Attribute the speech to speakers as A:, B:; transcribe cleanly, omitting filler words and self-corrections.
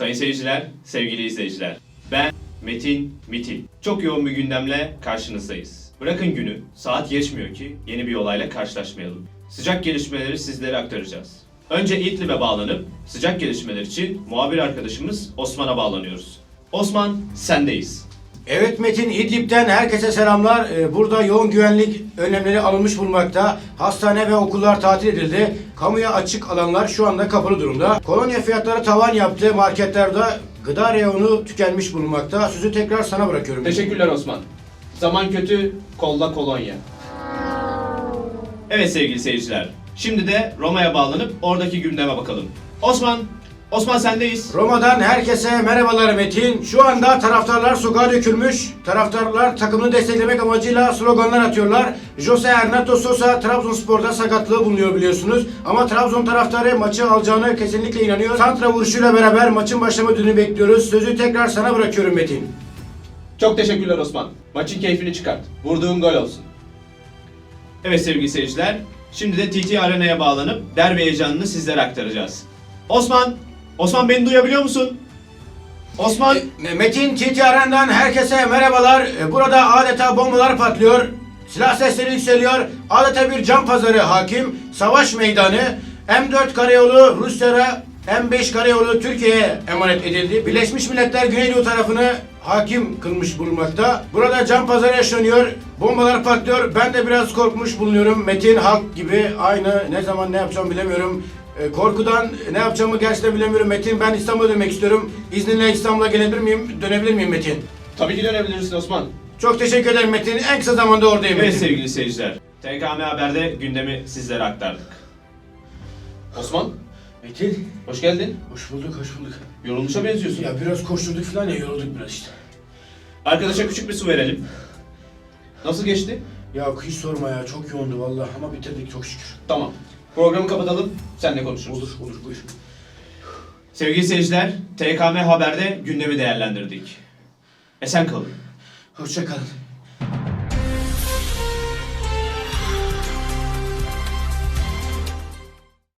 A: Sayın seyirciler, sevgili izleyiciler. Ben Metin Mitil. Çok yoğun bir gündemle karşınızdayız. Bırakın günü, saat geçmiyor ki yeni bir olayla karşılaşmayalım. Sıcak gelişmeleri sizlere aktaracağız. Önce İdlib'e bağlanıp sıcak gelişmeler için muhabir arkadaşımız Osman'a bağlanıyoruz. Osman, sendeyiz.
B: Evet Metin, İdlib'den herkese selamlar. Burada yoğun güvenlik önlemleri alınmış bulunmakta. Hastane ve okullar tatil edildi. Kamuya açık alanlar şu anda kapalı durumda. Kolonya fiyatları tavan yaptı. Marketlerde gıda reyonu tükenmiş bulunmakta. Sözü tekrar sana bırakıyorum.
A: Teşekkürler Osman. Zaman kötü, kolla kolonya. Evet sevgili seyirciler. Şimdi de Roma'ya bağlanıp oradaki gündeme bakalım. Osman sendeyiz.
B: Roma'dan herkese merhabalar Metin. Şu anda taraftarlar sokağa dökülmüş. Taraftarlar takımını desteklemek amacıyla sloganlar atıyorlar. Jose Ernesto Sosa Trabzonspor'da sakatlığı bulunuyor biliyorsunuz. Ama Trabzon taraftarı maçı alacağını kesinlikle inanıyor. Santra vuruşuyla beraber maçın başlama dönemi bekliyoruz. Sözü tekrar sana bırakıyorum Metin.
A: Çok teşekkürler Osman. Maçın keyfini çıkart. Vurduğun gol olsun. Evet sevgili seyirciler. Şimdi de TT Arena'ya bağlanıp derbi heyecanını sizlere aktaracağız. Osman beni duyabiliyor musun? Osman.
B: Metin TT Arena'dan herkese merhabalar. Burada adeta bombalar patlıyor. Silah sesleri yükseliyor. Adeta bir can pazarı hakim. Savaş meydanı. M4 karayolu Rusya'ya, M5 karayolu Türkiye'ye emanet edildi. Birleşmiş Milletler Güneydoğu tarafını hakim kılmış bulunmakta. Burada can pazarı yaşanıyor. Bombalar patlıyor. Ben de biraz korkmuş bulunuyorum. Metin halk gibi aynı ne zaman ne yapacağımı bilemiyorum. Korkudan ne yapacağımı gerçekten bilemiyorum Metin. Ben İstanbul'a dönmek istiyorum. İzninle İstanbul'a gelebilir miyim? Dönebilir miyim Metin?
A: Tabii ki dönebilirsin Osman.
B: Çok teşekkür ederim Metin. En kısa zamanda oradayım
A: Evet
B: Metin.
A: sevgili seyirciler. TKM Haber'de gündemi sizlere aktardık. Osman,
B: Metin.
A: hoş geldin.
B: Hoş bulduk, hoş bulduk.
A: Yorulmuşa benziyorsun.
B: Ya biraz koşturduk falan ya, yorulduk biraz işte.
A: Arkadaşa küçük bir su verelim. Nasıl geçti?
B: Ya hiç sorma ya, çok yoğundu vallahi ama bitirdik çok şükür.
A: Tamam. Programı kapatalım, seninle konuşuruz.
B: Olur buyur.
A: Sevgili seyirciler, TKM Haber'de gündemi değerlendirdik. Esen kalın.
B: Hoşça kalın.